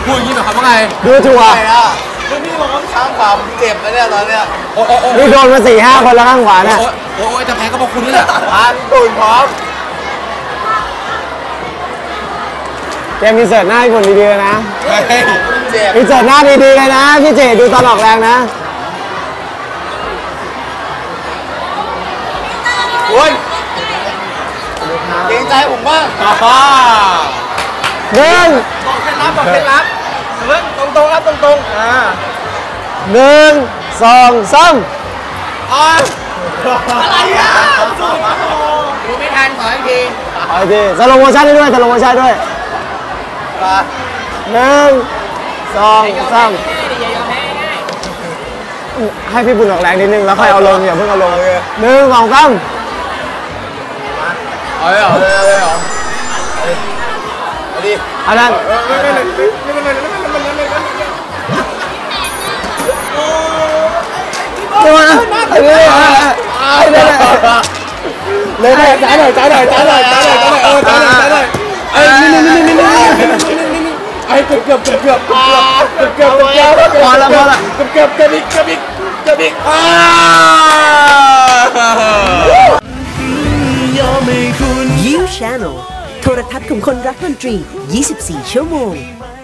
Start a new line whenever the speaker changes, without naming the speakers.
พูดอย่างนี้หมายความว่าไง
ดูถูกอ่ะ
พี่บอกว่าข้างขวาผมเจ็บนะเนี่ยตอนเนี้ย
นี่โดนมา4-5 คนแล้วข้างขวาเนี่ย
โอ้ยจะแพ้ก็เพราะคุณนี่แหละ
ตุ่นพร้อม
เกมอินเสิร์ตหน้าให้คนดีๆเลยนะอินเสิร์ตหน้าดีๆเลยนะพี่เจดูตอนออกแรงนะ
โอ้ยเกรงใจผมบ้าง
หนึ่ง
บอกเคล็ดลับบอกเคล็ดลับตรงครับตรง
1 2 3
อะไรอ่ะดูไม่ทันขออีกที
สโลโมชั่นด้วยสโลโมชั่นด้วย1 2 3ให้พี่บุญออกแรงนิดนึงแล้วค่อยเอาลงอย่าเพิ่งเอาลง1 2 3
เอาเลยเหรอเอาดิ
อันนั้นเลยจ่ายหน่อย
ไอ้เกือบพอ
ละ
อีก
You Channel โทรทัศน์ของคนรักดนตรี 24 ชั่วโมง